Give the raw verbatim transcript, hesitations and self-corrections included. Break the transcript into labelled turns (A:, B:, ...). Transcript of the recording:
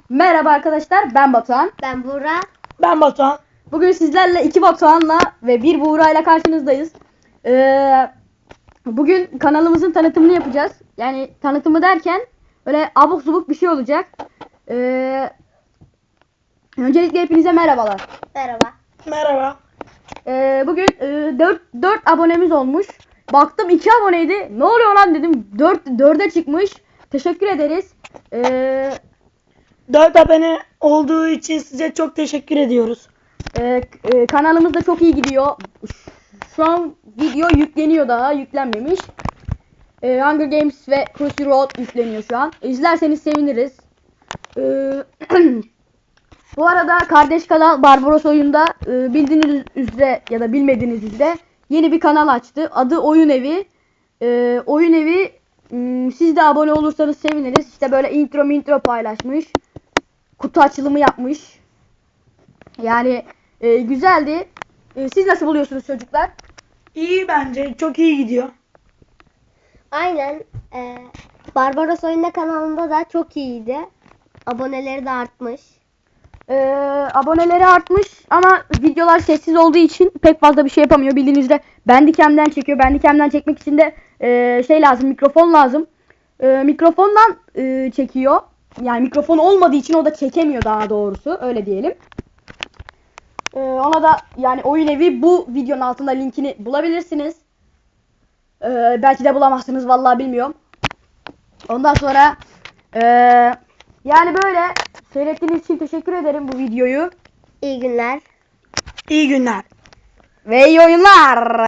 A: Merhaba arkadaşlar, ben Batuhan.
B: Ben Buğra.
C: Ben Batuhan.
A: Bugün sizlerle iki Batuhan'la ve bir Buğra ile karşınızdayız. Ee, bugün kanalımızın tanıtımını yapacağız. Yani tanıtımı derken öyle abuk subuk bir şey olacak. Ee, öncelikle hepinize merhabalar.
B: Merhaba.
C: Merhaba.
A: Ee, bugün e, dört abonemiz olmuş. Baktım iki aboneydi. Ne oluyor lan dedim. dörde çıkmış. Teşekkür ederiz. Ee,
C: dört abone olduğu için size çok teşekkür ediyoruz.
A: Ee, e, kanalımız da çok iyi gidiyor. Şu an video yükleniyor, daha yüklenmemiş. Ee, Hunger Games ve Crossy Road yükleniyor şu an. İzlerseniz seviniriz. Ee, bu arada kardeş kanal Barbaros Oyun'da e, bildiğiniz üzere ya da bilmediğiniz üzere yeni bir kanal açtı. Adı Oyun Evi. Ee, Oyun Evi m, siz de abone olursanız seviniriz. İşte böyle intro intro paylaşmış. Kutu açılımı yapmış. Yani e, güzeldi. E, siz nasıl buluyorsunuz çocuklar?
C: İyi bence. Çok iyi gidiyor.
B: Aynen. E, Barbaros Oyunda kanalında da çok iyiydi. Aboneleri de artmış.
A: E, aboneleri artmış ama videolar sessiz olduğu için pek fazla bir şey yapamıyor. Bildiğiniz üzere Bandicam'den çekiyor. Bandicam'den çekmek için de e, şey lazım, mikrofon lazım. E, mikrofondan e, çekiyor. Yani mikrofon olmadığı için o da çekemiyor, daha doğrusu. Öyle diyelim. Ee, ona da yani Oyun Evi, bu videonun altında linkini bulabilirsiniz. Ee, belki de bulamazsınız, vallahi bilmiyorum. Ondan sonra ee, yani böyle seyrettiğiniz için teşekkür ederim bu videoyu.
B: İyi günler.
C: İyi günler.
A: Ve iyi oyunlar.